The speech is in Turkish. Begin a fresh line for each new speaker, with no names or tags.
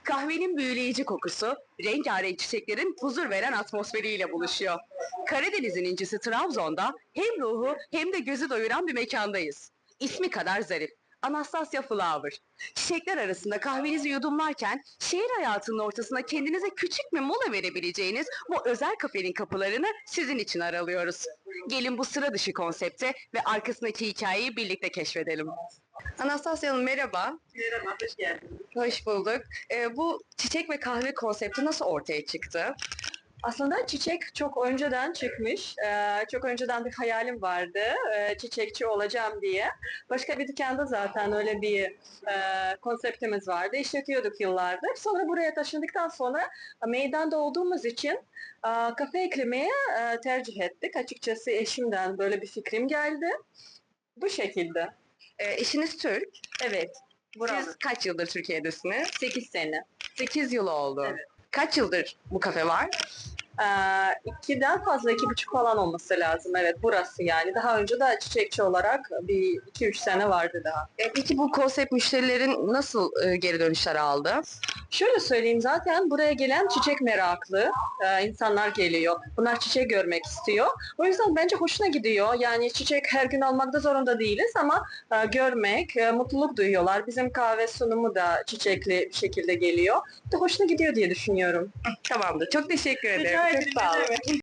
Kahvenin büyüleyici kokusu, rengarenk çiçeklerin huzur veren atmosferiyle buluşuyor. Karadeniz'in incisi Trabzon'da hem ruhu hem de gözü doyuran bir mekandayız. İsmi kadar zarif. Anastasia Flower. Çiçekler arasında kahvenizi yudumlarken şehir hayatının ortasına kendinize küçük bir mola verebileceğiniz bu özel kafenin kapılarını sizin için aralıyoruz. Gelin bu sıra dışı konsepte ve arkasındaki hikayeyi birlikte keşfedelim. Anastasia Hanım merhaba.
Merhaba, hoş geldiniz.
Hoş bulduk. Bu çiçek ve kahve konsepti nasıl ortaya çıktı?
Aslında çiçek çok önceden çıkmış. Çok önceden bir hayalim vardı. Çiçekçi olacağım diye. Başka bir dükkanda zaten öyle bir konseptimiz vardı. İşletiyorduk yıllardır. Sonra buraya taşındıktan sonra meydanda olduğumuz için kafe eklemeye tercih ettik. Açıkçası eşimden böyle bir fikrim geldi. Bu şekilde.
Eşiniz Türk.
Evet.
Siz
Buralı.
kaç yıldır Türkiye'desiniz?
8 sene.
8 yıl oldu.
Evet.
Kaç yıldır bu kafe var?
2'den fazla, 2,5 falan olması lazım. Evet, burası yani. Daha önce de çiçekçi olarak bir 2-3 sene vardı daha.
Peki bu konsept müşterilerin nasıl geri dönüşler aldı?
Şöyle söyleyeyim, zaten buraya gelen çiçek meraklı insanlar geliyor. Bunlar çiçek görmek istiyor. O yüzden bence hoşuna gidiyor. Yani çiçek her gün almak da zorunda değiliz ama görmek, mutluluk duyuyorlar. Bizim kahve sunumu da çiçekli bir şekilde geliyor. De hoşuna gidiyor diye düşünüyorum.
Tamamdır. Çok teşekkür ederim.
Rica
Çok
ederim,
sağ
ne
olun.
demek.